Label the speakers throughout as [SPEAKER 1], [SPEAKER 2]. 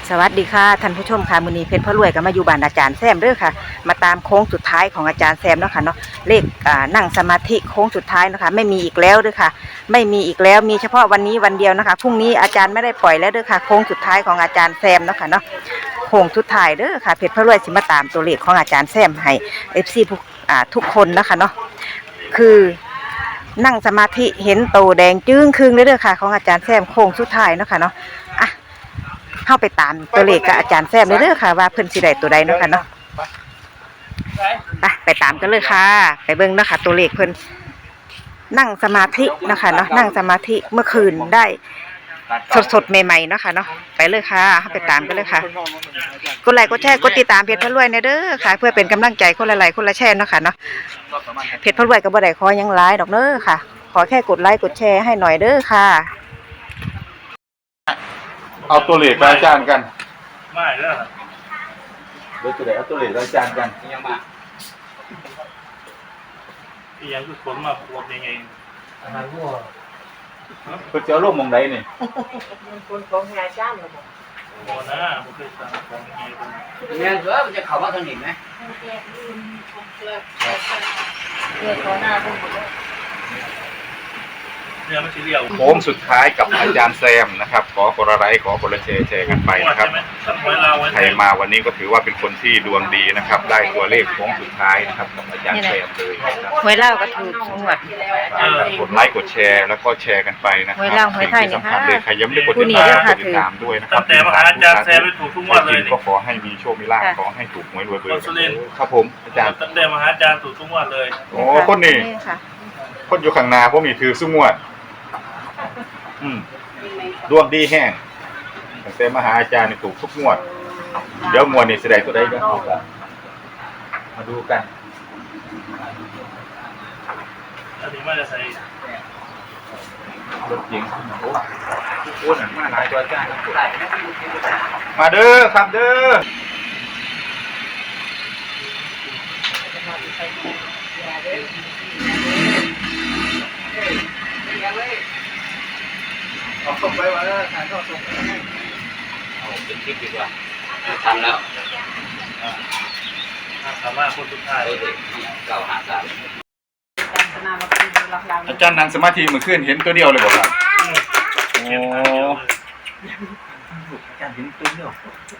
[SPEAKER 1] สวัสดีค่ะท่านผู้ชมค่ะมื้อนี้เพชรพระรวยก็มาอยู่บ้านอาจารย์แซมเด้อค่ะมาตามโค้งสุดท้ายของอาจารย์แซมเนาะค่ะเนาะเลขนั่งสมาธิโค้งสุดท้ายเนาะค่ะไม่มีอีกแล้วเด้อค่ะไม่มีอีกแล้วมีเฉพาะวันนี้วันเดียวนะคะพรุ่งนี้อาจารย์ไม่ได้ปล่อยแล้วเด้อค่ะโค้งสุดท้ายของอาจารย์แซมเนาะค่ะเนาะโค้งสุดท้ายเด้อค่ะเพชรพระรวยสิมาตามตัวเลขของอาจารย์แซมให้ FC ทุกคนนะคะเนาะคือนั่งสมาธิเห็นโตแดงจึ้งครึ่งเลยเด้อค่ะของอาจารย์แซมโค้งสุดท้ายเนาะค่ะเนาะอ่ะเข้าไปตามตัวเลขกับอาจารย์แซมเด้อค่ะว่าเพิ่นสิได้ตัวใดเนาะค่ะเนาะไปตามกันเลยค่ะไปเบิ่งเนาะค่ะตัวเลขเพิ่นนั่งสมาธิเนาะค่ะเนาะนั่งสมาธิเมื่อคืนได้สดๆใหม่ๆเนาะค่ะเนาะไปเลยค่ะเข้าไปตามกันเลยค่ะกดไลค์กดแชร์กดติดตามเพจพระรวยเด้อค่ะเพื่อเป็นกำลังใจคนละไลค์คนละแชร์เนาะค่ะเนาะเพจพระรวยก็บ่ได้ขอหยังหลายดอกเด้อค่ะขอแค่กดไลค์กดแชร์ให้หน่อยเด้อค่ะ
[SPEAKER 2] เอาตัวเลขกับอาจารย์กัน
[SPEAKER 3] ไม่แล้ว
[SPEAKER 2] เดี๋ยวจะได้เอาตัวเลขกับอาจารย์กัน
[SPEAKER 3] ยังมาที่ยังคือคนมาปวดยังไงอาหารวัว
[SPEAKER 2] เพื่อจะเอาลงมองใดนี่
[SPEAKER 1] คนของอาจารย์เหรอ
[SPEAKER 3] บ่นะบ่เคยสั่งของยังไง
[SPEAKER 4] เนี่ยเสือมันจะเข้ามาทางนี้ไหม
[SPEAKER 3] เนี่ยมันสิเลี้ยว
[SPEAKER 2] โค้งสุดท้ายกับอาจารย์แซมนะครับขอคนละไลค์ขอคนละแชร์กันไปนะครับใครมาวันนี้ก็ถือว่าเป็นคนที่ดวงดีนะครับได้ตัวเลขโค้งสุดท้ายนะครับกับอาจารย์แซมเลยนะครับ
[SPEAKER 1] หวยเล่าก็ถูกงวด
[SPEAKER 2] กดไลค์กดแชร์แล้วก็แชร์กันไปนะครับ
[SPEAKER 1] หวยเล่าหวยไทยนี่ค่ะ
[SPEAKER 2] ใครยังไม่ได้กดติดตามด้วยนะครับ
[SPEAKER 3] แต่มหาอาจารย์แซมไปถูกทุกงวดเลย
[SPEAKER 2] ก็ขอให้มีโชคมีลาภขอให้ถูกหวยรวยเบอร์ครับผมอาจารย์
[SPEAKER 3] แต่มหาอาจารย์ถูกทุกงวดเลย
[SPEAKER 2] โอ้คนนี้คนอยู่ข้างหน้าพวกนี้ถือซุ้มงวดดวงดีแห้งตั้งแต่มหาอาจารย์ถูกทุกงวดเดี๋ยวงวดนี้แสดงตัวได้ก็มาดูกัน
[SPEAKER 3] อันนี้มาจะใส่
[SPEAKER 2] รถเก๋งโอ้หนังมาหลายตัวอาจารย์มาเด้อครับเด้อเอาส่งไปว่าถ่ายทอดส่งไป
[SPEAKER 4] เอาเป็นคลิปดีกว่าทำแล้ว
[SPEAKER 3] สามารถคนสุดท้าย
[SPEAKER 4] เก่าหาสาม
[SPEAKER 2] อาจารย์นั่งสมาธิเมื่อคืนเห็นตัวเดียวเลยบอกครับโอ้อาจารย์เห็นตัวเดียว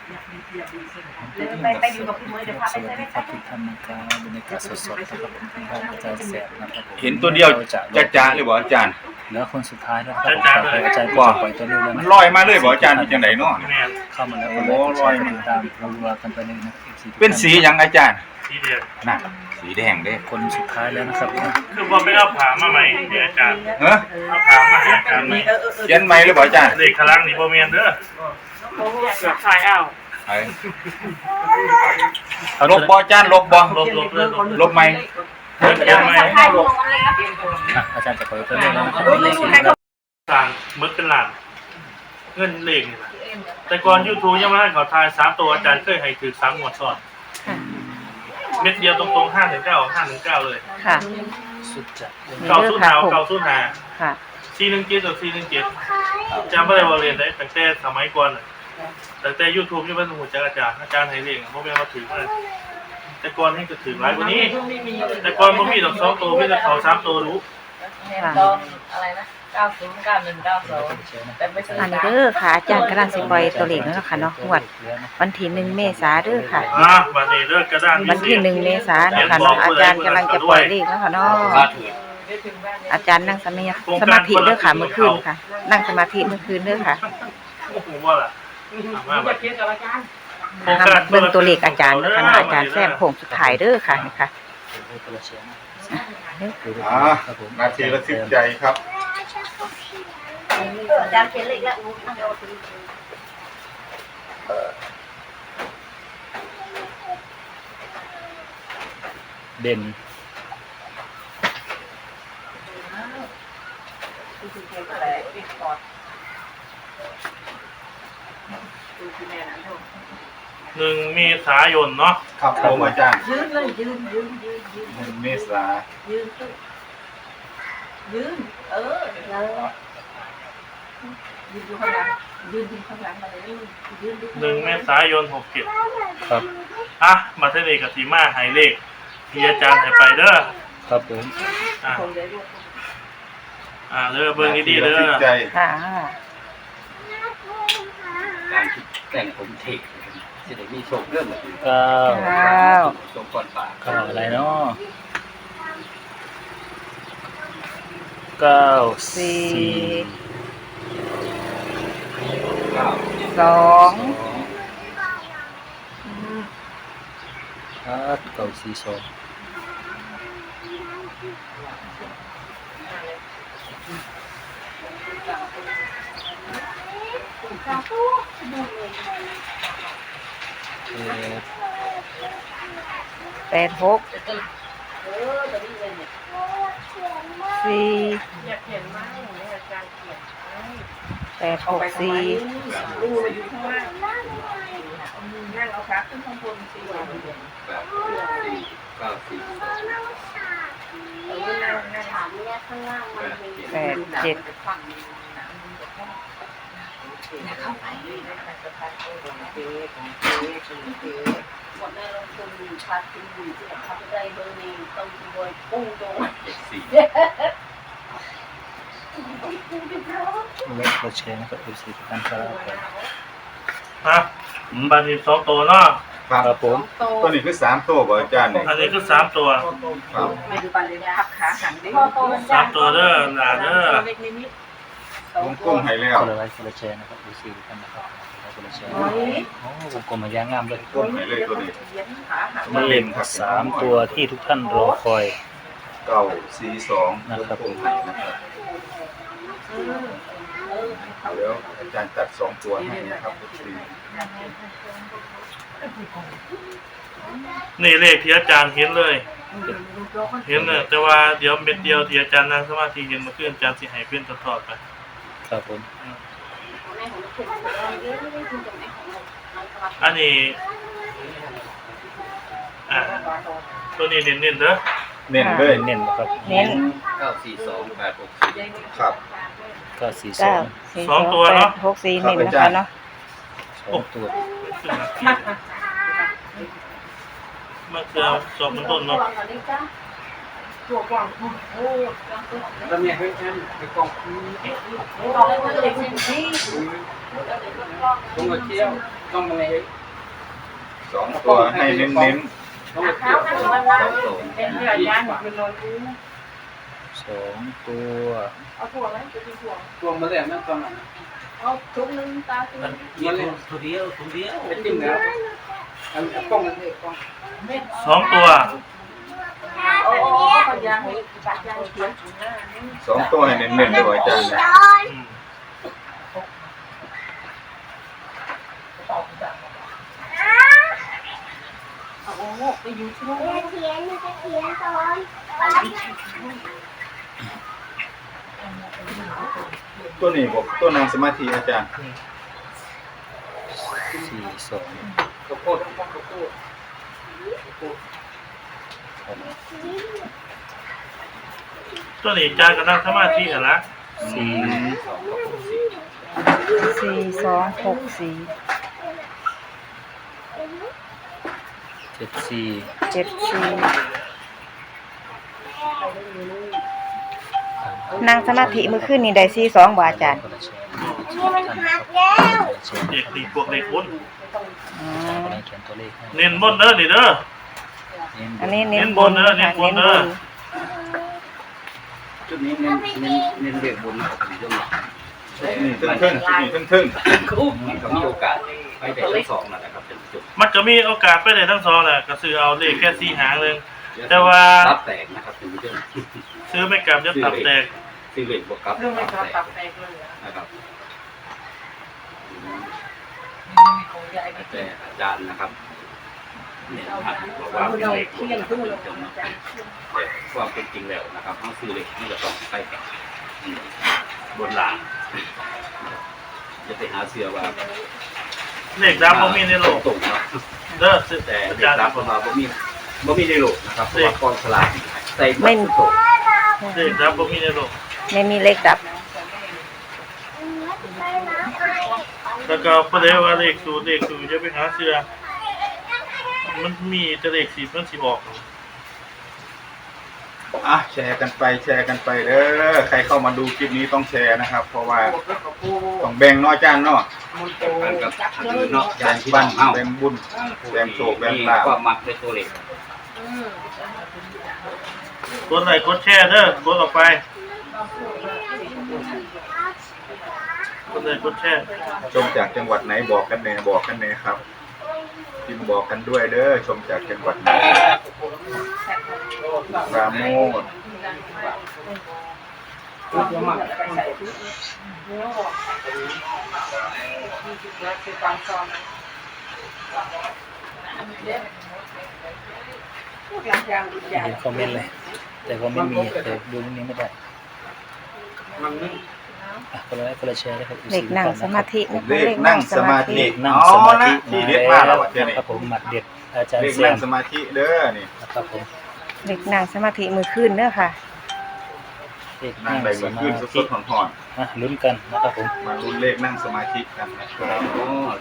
[SPEAKER 1] ไปอยู่กับพี่เมย์เดี๋ยวพาไปใช่ไหมครับ
[SPEAKER 5] ทุกท่านนะครับบรรยากาศสดๆนะครับผมอาจารย์แสบนะครับ
[SPEAKER 2] เห็นตัวเดียวจ้าเลยบอกอาจารย์
[SPEAKER 5] แล้วคนสุดท้ายนะครับอาจารย์ก็ปล่อยตัวนี้แล้ว
[SPEAKER 2] มันลอยมาเลยบอกอาจารย์เป็นยังไงเนาะ
[SPEAKER 5] เข้ามาแล้วก็ลอยมาตามรัวกันไปเลยนะ
[SPEAKER 2] เป็นสีอย่างอาจารย์
[SPEAKER 3] สีแดง
[SPEAKER 2] น่ะสีแดงเด้
[SPEAKER 5] คนสุดท้ายแล้วนะครับ
[SPEAKER 3] คือว่าไม่เอาผ่ามาใหม่เนี่ยอาจารย์เอาผ่ามาให้อาจารย์ใหม่
[SPEAKER 2] เขียนใหม่เลยบอกอาจารย์
[SPEAKER 3] เลขคลังนี่บ่แม่นเด้อใช่เอา
[SPEAKER 2] ลบบ่อาจารย์ลบบ่ลบไหม
[SPEAKER 5] อาจารย์จะปล่อยตัวนี้แล้วนะครับ
[SPEAKER 3] สั่งมึกเป็นหลานเงินเลขนี่แหละแต่ก่อน YouTube ยังไม่ให้เขาทาย3ตัวอาจารย์เคยให้ถือ3งวดซ้อนเม็ดเดียวตรงๆ519เลย
[SPEAKER 1] ค่ะ
[SPEAKER 5] สุดจัด
[SPEAKER 3] 905ค่ะ417กับ417จำไม่ได้ว่าเรียนได้ตั้งแต่สมัยก่อนตั้งแต่ YouTube ยังไม่รู้จักอาจารย์ให้เลขบ่แม่นว่าถือมาแต่ก่อนให้ก็ถือหลายกว่านี้แต่ก่อนบ่มีดอก2ตัวมีแต่เขา3ตัวรู้
[SPEAKER 6] อะไรนะ909192แต่ไม่ใช่
[SPEAKER 1] อันนี้เด้อค่ะอาจารย์กำลังสิปล่อยตัวเลขแล้วค่ะเนาะงวดวันที่1 เมษายนเด้อค่ะ
[SPEAKER 3] วันนี้เด้อกระดาน
[SPEAKER 1] วันที่1 เมษายนนะคะเนาะอาจารย์กำลังจะปล่อยเลขแล้วค่ะเนาะอาจารย์นั่งสมาธิเด้อค่ะเมื่อคืนค่ะนั่งสมาธิเมื่อคืนเด้อค่ะเบิ่งตัวเลขอาจารย์เด้อค่ะอาจารย์แซมโค้งสุดท้ายเด้อค่ะนี่ค่ะ
[SPEAKER 2] นาทีละ10ใจครับ
[SPEAKER 6] อาจารย์เขียนเลขแล้ว
[SPEAKER 5] เด่น
[SPEAKER 3] 1 เมษายนเนาะ
[SPEAKER 2] ครับผมอาจารย์
[SPEAKER 6] ยืนเลยยืน
[SPEAKER 2] 1 เมษายน
[SPEAKER 6] ยืนแล้วยืนอยู่ข้างหลังยืนข้างหลังมาเลยยืน
[SPEAKER 3] 1 เมษายน
[SPEAKER 5] ครับ
[SPEAKER 3] 67อ่ะมาเทเลกับสีมาหายเลขที่อาจารย์ให้ไปเด้อ
[SPEAKER 5] ครับผม
[SPEAKER 3] อ่ะเด้อเบิ่งดีๆเด้อ
[SPEAKER 2] ใจ
[SPEAKER 1] ค่ะ
[SPEAKER 4] การที่แต่งผมเทคจะได้มีโชคเรื่องแบบนี้
[SPEAKER 5] เก้า
[SPEAKER 4] โชคก่อนป่า
[SPEAKER 5] เก้าอะไรเนาะเก้าสี่
[SPEAKER 4] เก้า
[SPEAKER 1] สอง
[SPEAKER 5] ครับเก้าสี่สอง
[SPEAKER 1] แปดหกสี่
[SPEAKER 6] อยากเขียนมากอย่างนี้อาจารย์เขียน
[SPEAKER 1] แปดหกสี่
[SPEAKER 6] ดูมาอยู่ข้างล่างนั่งเอาขาขึ้นข้างบนสิ
[SPEAKER 4] แบบสี่เก้าสี่
[SPEAKER 6] นั่งถามเนี่ยข้างล่างมันมี
[SPEAKER 1] แปดเจ็ด
[SPEAKER 6] ฝั่งเข้าไปหมดในลงทุนขาดทุนอยู่ที่ทำได้เบอร์นี้ต้องบอยปุ้งตรง
[SPEAKER 4] สี่
[SPEAKER 5] เลขเราแชร์นะครับ FC ทุกท่านครับ
[SPEAKER 3] ฮะบัดนี้2ตัวเนาะ
[SPEAKER 2] ครับ
[SPEAKER 5] ครับผม
[SPEAKER 2] ตัวนี้คือ3ตัวบ่อาจารย์นี่
[SPEAKER 3] อันนี้คือ3ตัว
[SPEAKER 2] ครับ
[SPEAKER 6] ไม่ดูปันเลยพักขาหันได้
[SPEAKER 3] 3ตัวเด้อหลานเด้อ
[SPEAKER 6] เล็กนิด
[SPEAKER 2] วงกลมให้แล้ว
[SPEAKER 5] คนละไลค์คนละแชร์นะครับ FC ทุกท่านนะครับคนละแชร์โอ้วงกลมมันยางงามเลย
[SPEAKER 2] กลมให้เลยตัวนี้
[SPEAKER 6] ขาหัน
[SPEAKER 5] เลขสามตัวที่ทุกท่านรอคอย
[SPEAKER 2] 942
[SPEAKER 5] นะครับ
[SPEAKER 2] วงกลมให้นะครับเดี๋ยวอาจารย์ตัด2ตัวให้นะครับสี่
[SPEAKER 3] นี่เลขที่อาจารย์เห็นเลย เห็นเลยแต่ว่าเดี๋ยวเม็ดเดียวที่อาจารย์นั่งสมาธิเห็นเมื่อคืนอาจารย์สิให้เพื่อนทอดๆไป
[SPEAKER 5] ครับผม
[SPEAKER 3] อันนี้ตัวนี้เน้นๆเด้อ
[SPEAKER 2] เน้นเลย
[SPEAKER 5] เน้นๆนะครับ
[SPEAKER 1] เน้น
[SPEAKER 4] เก้าสี่สองแปดหกสี่
[SPEAKER 2] ครับ
[SPEAKER 5] เก้าสี่ส
[SPEAKER 1] เก้า
[SPEAKER 5] อง
[SPEAKER 1] สี่สองแปดหกสี่เน้นนะคะเนาะ
[SPEAKER 5] สองตัว
[SPEAKER 3] เมื่อคืนสอบมันต้นเนาะ
[SPEAKER 6] ตัวกว้างโอ้
[SPEAKER 4] แล้วเนี่ยเฮ้ยฉันไปกอง
[SPEAKER 6] กว้างเล็กที่
[SPEAKER 4] ต้องมาเที่ยวต้องมาไง
[SPEAKER 2] 2ตัวให้เน้น
[SPEAKER 4] ต้องมาเที่ยวสองตัว
[SPEAKER 6] เป็นเรื่องยากเป็นนอนรู้
[SPEAKER 5] สองตัว
[SPEAKER 6] เอาถั่วไหมจะกินถั่ว
[SPEAKER 4] ตัวมาแล้วนั่นตอนนั้น
[SPEAKER 6] เอาทุกนึงตาทุก
[SPEAKER 4] มันเลยตัวเดียวเป็นจิ้มแล้วอันกล้องนั่นเองกล้อง
[SPEAKER 3] 2ตัว
[SPEAKER 6] โอ้ปัญญาให้ปัญญาเขียน
[SPEAKER 2] 2ตัวให้เน้นๆเลยอาจารย์นะ
[SPEAKER 3] อืม
[SPEAKER 6] โอ้ไปอยู่ที่นู่น
[SPEAKER 2] ตัวนี้บอกตัวนางสมาธิอาจารย์
[SPEAKER 5] สี่สอง
[SPEAKER 4] ข้าวโพดข้าวโพด
[SPEAKER 5] ครับ
[SPEAKER 3] ตัวนี้อาจารย์ก็นั่งสมาธิหั่นละ
[SPEAKER 5] สี่
[SPEAKER 1] สี่สองหกสี่
[SPEAKER 5] เจ็ดสี่
[SPEAKER 1] เจ็ดสี่นั่งสมาธิเมื่อคืนนี่ได้สี่สองบาทอาจารย์
[SPEAKER 5] คนละแชร์นะครับทุกท่านครับ
[SPEAKER 3] เด็กดีพวกเด็กบน
[SPEAKER 1] อ๋อ
[SPEAKER 5] คนละเขียนตัวเลขให้
[SPEAKER 3] เน้นบนเด้อนี่เด้อ
[SPEAKER 1] อันนี้เน้นบนค่ะเน้นบน
[SPEAKER 4] จุดนี้เน้นเรียกบนของผมด้วย
[SPEAKER 2] นี่ทึ่งๆนี่ทึ่ง
[SPEAKER 4] มันก็มีโอกาสไปแต่ทั้งสองนะครับเป็นจุด
[SPEAKER 3] มันก็มีโอกาสไปได้ทั้งสองแหละก็ซื้อเอาเลขแค่4หางนึงแต่ว่า
[SPEAKER 4] ตับแตกนะครับเป็นเรื่อง
[SPEAKER 3] ซื้อไม่กลับจะตับแตก
[SPEAKER 4] ซีเรียสบวกกับ
[SPEAKER 6] เรื่องไม่
[SPEAKER 4] ตับ
[SPEAKER 6] กลับ
[SPEAKER 4] แตก
[SPEAKER 6] ตับแตกเลย
[SPEAKER 4] นะครับ
[SPEAKER 6] ของยายไป
[SPEAKER 4] แต่อาจารย์นะครับเนี่ยครับบอกว่าเป็นเลขบนนะครับแต่ความเป็นจริงแล้วนะครับทั้งซื้อเลขที่จะต้องใกล้กับบนหลังจะไปหาเสื้อว่า
[SPEAKER 3] เลขดำบ่มีในโลก
[SPEAKER 4] ตรงนะ
[SPEAKER 3] เด้อซื้อ
[SPEAKER 4] แต่
[SPEAKER 3] อา
[SPEAKER 4] เด็
[SPEAKER 3] จาก รย์
[SPEAKER 4] รับมาบ่มีในโลกนะครับเพราะว่ากองสลากใส่บัตรตก
[SPEAKER 3] เลขดำบ่มีในโลก
[SPEAKER 1] ไม่มีเลขดับ
[SPEAKER 3] แล้วก็พอได้ว่าเลขสูตรจะไปหาเสื้อมันมีแต่เลข10มันสิออก
[SPEAKER 2] แชร์กันไปเด้อใครเข้ามาดูคลิปนี้ต้องแชร์นะครับ เพราะว่าต้องแบ่งเนาะอาจารย์เนาะ
[SPEAKER 4] กันกับคือเนาะยานที่
[SPEAKER 2] บ้า
[SPEAKER 4] บ้าน นเฮา
[SPEAKER 2] แบ่งบุญแบ่งโชคแบ่ง
[SPEAKER 4] มี
[SPEAKER 2] ลาภ
[SPEAKER 4] ความมักในตัวเล็ก
[SPEAKER 3] กดไลค์กดแชร์เด้อกดออกไปกดไลค์กดแชร์
[SPEAKER 2] ชมจากจังหวัดไหนบอกกันแน่ครับพิมพ์บอกกันด้วยเด้อชมจากจังหวัดไหนปราโมทย์
[SPEAKER 5] เห็นคอมเมนต์เลยแต่คอมเมนต์มีแต่ดูตรงนี้ไม่ได้คนละแชร์นะครับ
[SPEAKER 1] เลขนั่งสมาธินะคะ
[SPEAKER 2] เลขนั่งสมาธิ
[SPEAKER 5] เลขนั่งสมาธิ
[SPEAKER 2] ที่เด็ดมากแล้วเดี๋ยวนี้
[SPEAKER 5] ครับผมหมัดเด็ดอาจารย์
[SPEAKER 2] เลข
[SPEAKER 5] แซ
[SPEAKER 2] นั่ง
[SPEAKER 5] ม
[SPEAKER 2] สมาธิเด้อนี่
[SPEAKER 5] นะครับผม
[SPEAKER 1] เลขนั่งสมาธิมือขึ้นเด้อค่ะ
[SPEAKER 5] เลข
[SPEAKER 2] นั่
[SPEAKER 5] นั่
[SPEAKER 2] ง
[SPEAKER 5] ง
[SPEAKER 2] ได้
[SPEAKER 5] ส
[SPEAKER 2] มือ
[SPEAKER 5] มา
[SPEAKER 2] ขึ้นส
[SPEAKER 5] ธิ
[SPEAKER 2] ดๆห่อน
[SPEAKER 5] ลุ้นกันนะครับผม
[SPEAKER 2] ๆมาลุ้นเลขนั่งสมาธิกันนะครับ
[SPEAKER 4] โอ้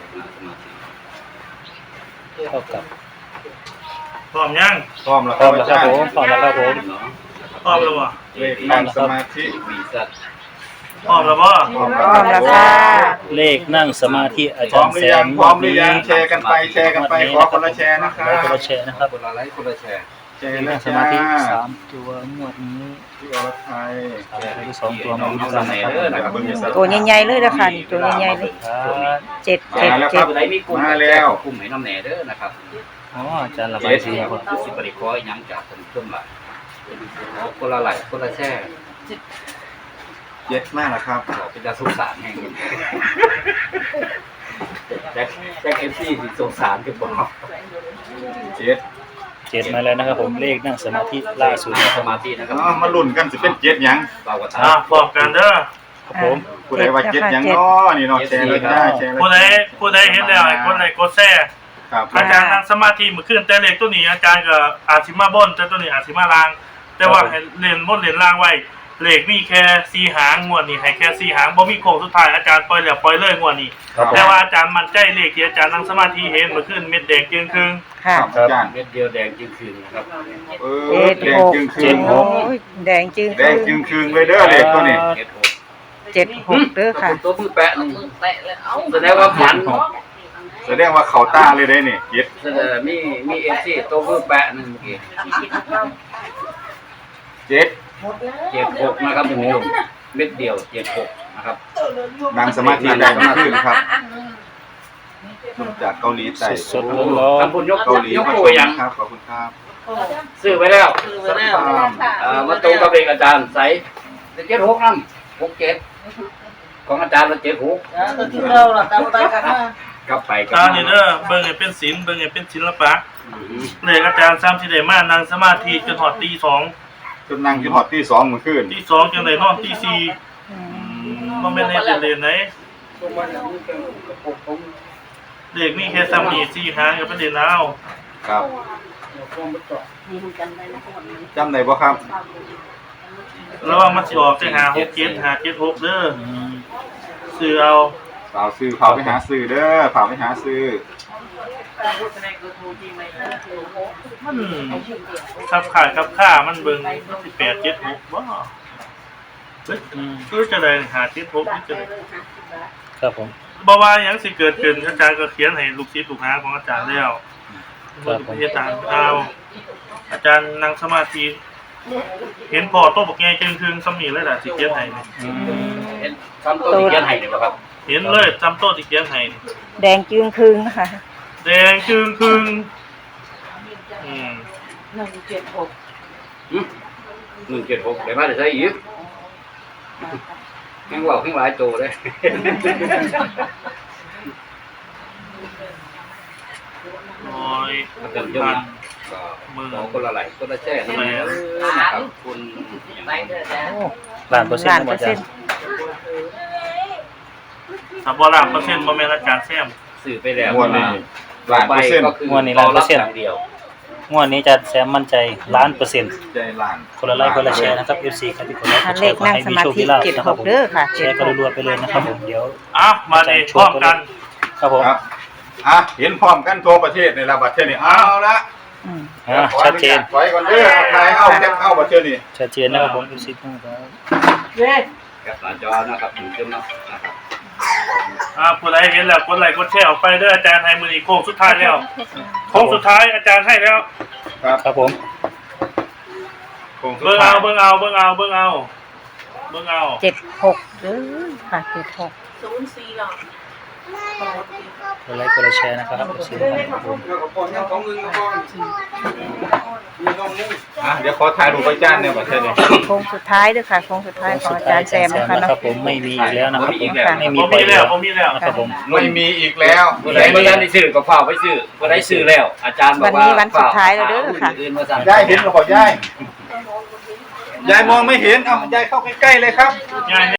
[SPEAKER 5] เท่ากับ
[SPEAKER 3] พร้อมยัง
[SPEAKER 2] พร้อมแล้ว
[SPEAKER 5] พร้อมแล้วครับผมพร้อมแล้วครับผม
[SPEAKER 3] พร้อมแล้วบ่
[SPEAKER 2] เลขนั่งสมาธิ
[SPEAKER 4] มีสัตว์
[SPEAKER 3] พร้อมแล้วบ่
[SPEAKER 2] พร้อม
[SPEAKER 1] พร้อมแล้วค่ะ
[SPEAKER 5] เลขนั่งสมาธิอา
[SPEAKER 2] พร้
[SPEAKER 5] จา
[SPEAKER 2] อ
[SPEAKER 5] ร
[SPEAKER 2] ม
[SPEAKER 5] ย์
[SPEAKER 2] หรื
[SPEAKER 5] แซ
[SPEAKER 2] อยัง
[SPEAKER 5] ม
[SPEAKER 2] พร้อมหรือยังแชร์กันไปขอคนละแชร์นะครับ
[SPEAKER 5] คนละแชร์นะครับ
[SPEAKER 4] คนละไลค์คนละแชร์
[SPEAKER 2] แชร์
[SPEAKER 5] เล
[SPEAKER 2] แล้
[SPEAKER 5] ข
[SPEAKER 2] ว
[SPEAKER 5] สมาธิ3ตัวงวดนี้
[SPEAKER 2] ที่อรไทย
[SPEAKER 5] ที่2ตัวมาลุ้นกันนะครับ
[SPEAKER 1] ตัวใหญ่ๆเลยนะคะนี่ตัวใหญ่ๆเลย
[SPEAKER 5] ครับ
[SPEAKER 1] เจ็ด
[SPEAKER 2] มาแล้วครับ
[SPEAKER 4] ผู้ใดมีกลุ่ม
[SPEAKER 2] มาแล้ว
[SPEAKER 4] กลุ่มให้น้ำแหน่เด้อนะครับ
[SPEAKER 5] อ๋ออาจารย์ระบายสีครับ
[SPEAKER 4] สิบริคอยยังจากคนเครื่องหลักคนละไหลคนละแช่
[SPEAKER 2] เย็ดมากนะครับ
[SPEAKER 4] บอกเป็นจะสงสารแห่งนี้แจ็คเอฟซีสิสงสารกันบอก
[SPEAKER 2] เจ็ด
[SPEAKER 5] 7มาแล้วนะครับผมเลขนั่งสมาธิล่าสุดนะค
[SPEAKER 4] ส
[SPEAKER 5] รับ
[SPEAKER 4] มาธินะครับ
[SPEAKER 2] มาลุ้นกันสิเป็นเจ็ดหยัง
[SPEAKER 4] เราก็ตา
[SPEAKER 3] พร้อมกันเด้อ
[SPEAKER 5] ครับผม
[SPEAKER 2] ผู้ใดว่าเจ็ดหยังเนาะนี่เนาะแชร์เลยจ้าแชร์เลย
[SPEAKER 3] ผู้ใดเห็นแล้วให้กดไลค์กดแชร์
[SPEAKER 2] ครับ
[SPEAKER 3] อาจารย์นั่งสมาธิมื้อคืนแต่เลขตัวนี้อาจารย์ก็อาจสิมาบนแต่ตัวนี้อาจสิมาล่าง แต่ว่าให้เล่นบนเล่นล่างไว้เลขมีแค่4หางงวดนี้ให้แค่4หางบ่มีโค้งสุดท้ายอาจารย์ปล่อยแล้วปล่อยเลยงวดนี้
[SPEAKER 5] ครับผม
[SPEAKER 3] แต่ว่าอาจารย์มั่นใจเลขที่อาจารย์นั่งสมาธิเห็นเมื่อคืนเม็ดแดงจึงครึ่ง
[SPEAKER 1] ค่ะ
[SPEAKER 2] ครับอาจารย์
[SPEAKER 4] เม็ดเดียวแดงจึงคืนนะครับ
[SPEAKER 2] แดงจึงคืน
[SPEAKER 1] โอ้ยแดงจึง
[SPEAKER 2] แดงจึงคืนเลยเด้อเลขตัวนี้
[SPEAKER 4] เม็ดหก
[SPEAKER 1] 76เด้อค่ะ
[SPEAKER 4] ตัวมือแปะนึงแสดงว่าฝัน
[SPEAKER 2] แสดงว่าเขาตาเลยได้นี่เย็ด
[SPEAKER 4] แสดงมีเอฟซีตัวมือแปะนึงเมื่อกี้
[SPEAKER 2] เจ็ด
[SPEAKER 4] 76นะครับคุณผู้ชมเม็ดเดียว76นะครับ
[SPEAKER 2] นางสมาธิได้มากขึ้นครับจากเกาหลีใต้
[SPEAKER 5] สดๆร้อน
[SPEAKER 4] ท่านผู้ยก
[SPEAKER 2] เกาหลี
[SPEAKER 4] ยก
[SPEAKER 2] มา
[SPEAKER 4] โป
[SPEAKER 2] ช
[SPEAKER 4] ร
[SPEAKER 2] ม
[SPEAKER 4] ยัง
[SPEAKER 2] ครับขอบคุณครับ
[SPEAKER 4] ซื้อไว้แล้ว
[SPEAKER 2] ครับ
[SPEAKER 4] มาตรงกับเลขอาจารย์ใส่76นั่น67ของอาจารย์ละ76กลับไปกลับ
[SPEAKER 3] ตา
[SPEAKER 4] มา
[SPEAKER 3] นี่เด้อเบิ่งให้เป็นศิลป์เบิ่งให้เป็นศิลปะเลขอาจารย์ซ้ำสิได้มานั่งสมาธิจนฮอดตี 2
[SPEAKER 2] จนนั่งจนหอดที่2มื้อคืน
[SPEAKER 3] ตี 2จังได๋นอนตี 4บ่แม่นเฮ็ดเล่นๆไหนเลขมีแค่ซ้ำนี่4หางก็ไปเล่นเอา
[SPEAKER 2] ครับจำได้บ่ครับ
[SPEAKER 3] ระวังมันสิออกจัง567 576เด้อ
[SPEAKER 5] อืม
[SPEAKER 3] ซื้อเอา
[SPEAKER 2] ฝากซื้อฝากไปหาซื้อเด้อฝากไปหาซื้อ
[SPEAKER 3] มันขับขายขับค่ามันเบิ่ง18 76บ่เฮ้ย
[SPEAKER 5] อืม
[SPEAKER 3] คือจะได้576นี่จะได้
[SPEAKER 5] ครับผม
[SPEAKER 3] บ่ว่าหยังสิเกิดขึ้นอาจารย์ก็เขียนให้ลูกศิษย์ลูกหาของอาจารย์แล้ว
[SPEAKER 5] ครับผม
[SPEAKER 3] เฮ็ดตามเอาอาจารย์นั่งสมาธิเห็นพ่อโตบักใหญ่จึงครึ่งซ้ำนี่เลยล่ะสิเขียนให้นี่
[SPEAKER 5] อืม
[SPEAKER 4] เห็นทำตัวที่เขียนให้เนี่ยบ่ครับ
[SPEAKER 3] เห็นเลยจำโตที่เขียนให้นี่
[SPEAKER 1] แดงจึงครึ่งนะคะ
[SPEAKER 3] แดงจึงครึ่งอืม
[SPEAKER 4] 176ได้มาได้ใช้อีกแข่งว่าวแข่งหลายโตเลย
[SPEAKER 3] โอ้ย
[SPEAKER 4] เต็มยอดก็ขอคนละไหลคนละแช่นะครับคุณอย่างไร
[SPEAKER 5] โอ้ล้านเปอร์เซ็นต์ครับอาจารย์
[SPEAKER 3] ถ้าบ่ล้านเปอร์เซ็นต์บ่แม่นอาจารย์แซม
[SPEAKER 4] สื่อไปแล้ว
[SPEAKER 2] งวดนี้ล้านเปอร์เซ็นต์
[SPEAKER 4] ก็คืออย่างเดียว
[SPEAKER 5] งวดนี้อาจารย์แซมมั่นใจล้านเปอร์เซ็นต์
[SPEAKER 2] ใจล้าน
[SPEAKER 5] คนละไลค์คนละแชร์นะครับ FC ครับที่คนละ
[SPEAKER 1] ค่ะ
[SPEAKER 5] แช
[SPEAKER 1] เล
[SPEAKER 5] ร์
[SPEAKER 1] ข
[SPEAKER 5] ขอ
[SPEAKER 1] นั่ง
[SPEAKER 5] ให้
[SPEAKER 1] ส
[SPEAKER 5] มี
[SPEAKER 1] มา
[SPEAKER 5] โชค
[SPEAKER 1] ธิ
[SPEAKER 5] มีลาภนะครับผม
[SPEAKER 1] 76เด้อค่ะ
[SPEAKER 5] แชร์กันรัวๆไปเลยนะครับผมเดี๋ยว
[SPEAKER 3] อ่ะมาดิพร้อมกัน
[SPEAKER 5] ครับผม
[SPEAKER 2] ครับเห็นพร้อมกันทั่วประเทศในระบัดเทศนี่เอาละ
[SPEAKER 1] อืม
[SPEAKER 5] ชัดเจน
[SPEAKER 2] ถอยก่อนเด้อใครเอาแคปเอาบัดเทศนี่
[SPEAKER 5] ชัดเจนนะครับผมดูสิครับ
[SPEAKER 4] แคปหน้าจอนะครับถึงขึ้นนะครับ
[SPEAKER 3] ผู้ใดเห็นแล้วกดไลค์กดแชร์ออกไปเด้ออาจารย์ให้มือนี้โค้งสุดท้ายแล้วโค้งสุดท้ายอาจารย์ให้แล้ว
[SPEAKER 5] ครับผม
[SPEAKER 2] โค้งสุด
[SPEAKER 3] เบิ่ง
[SPEAKER 2] ท้าย
[SPEAKER 3] เอาเบิ่งเอาเบิ่งเอาเบิ่งเอาเบิ่งเอา
[SPEAKER 1] 76เด้อค่ะ76
[SPEAKER 6] 04หรอก
[SPEAKER 5] กดไลค์กดแชร์นะครับดูสิครับผม
[SPEAKER 2] เดี๋ยวขอถ่ายรูปอาจารย์เนี่ยบัดเทศนี่
[SPEAKER 1] โค้งสุดท้ายเด้อค่ะโค้งสุดท้ายของอาจารย์แซมนะคะ
[SPEAKER 5] นะ
[SPEAKER 1] เนาะ
[SPEAKER 5] ครับผมไม่มีอีกแล้วนะครับผมไม่มี
[SPEAKER 3] ผม
[SPEAKER 5] ไป
[SPEAKER 3] มีแล้
[SPEAKER 5] แล้ว ว
[SPEAKER 3] ผมมีแล้ว
[SPEAKER 5] นะครับผม
[SPEAKER 2] ไม่มีอีกแล้ว
[SPEAKER 4] ผู้ใดไม่ได้ซื้อก็ฝากไว้ซื้อผู้ใดซื้อแล้ว อาจารย์บอกว่า
[SPEAKER 1] วันนี้วันสุดท้ายแล้วเด้อค่ะ
[SPEAKER 4] อื่นมาสั่ง
[SPEAKER 2] ยายเห็นหรือเปล่ายายมองไม่เห็นเอายายเข้าใกล้ๆเลยครับ
[SPEAKER 3] ง่าย